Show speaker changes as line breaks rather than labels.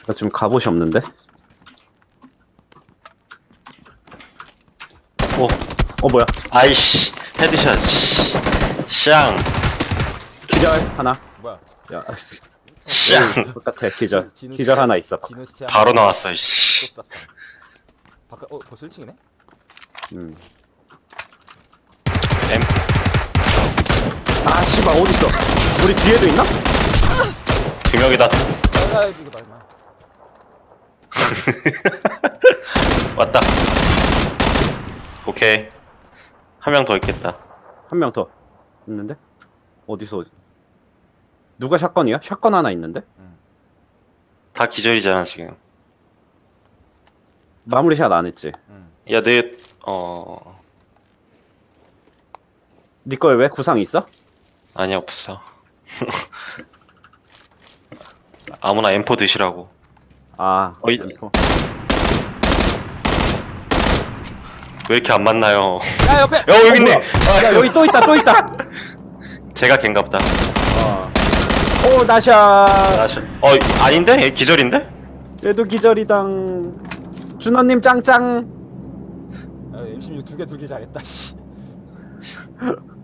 나 지금 갑옷이 없는데? 뭐야?
아이씨 헤드샷 샹
기절 하나.
뭐야?
야,
샹
똑같아. 기절.
진우
기절
씨-
하나 있어.
진우 씨
바로 나왔어 씨.
또 쌌다. 바깥 벌써 1층이네?
음.
M
아, 씨발 어딨어? 우리 뒤에도 있나?
두 명이다
아, 이거 봐 임마.
왔다 오케이 한 명 더 있겠다
한 명 더 있는데? 어디서? 누가 샷건이야? 샷건 하나 있는데?
다 기절이잖아 지금
마무리샷 안 했지?
야내
네 거에 왜 구상 있어?
아니 없어 아무나 M4 드시라고
아,
어이.
M4.
왜 이렇게 안 만나요
야 옆에!
야 여기 있네
야, 여기 또 있다, 또 있다.
제가 걘갑다
오, 나샤.
아닌데? 얘 기절인데?
얘도 기절이당. 준호님 짱짱.
야, M16 두개 두개 잘했다 씨.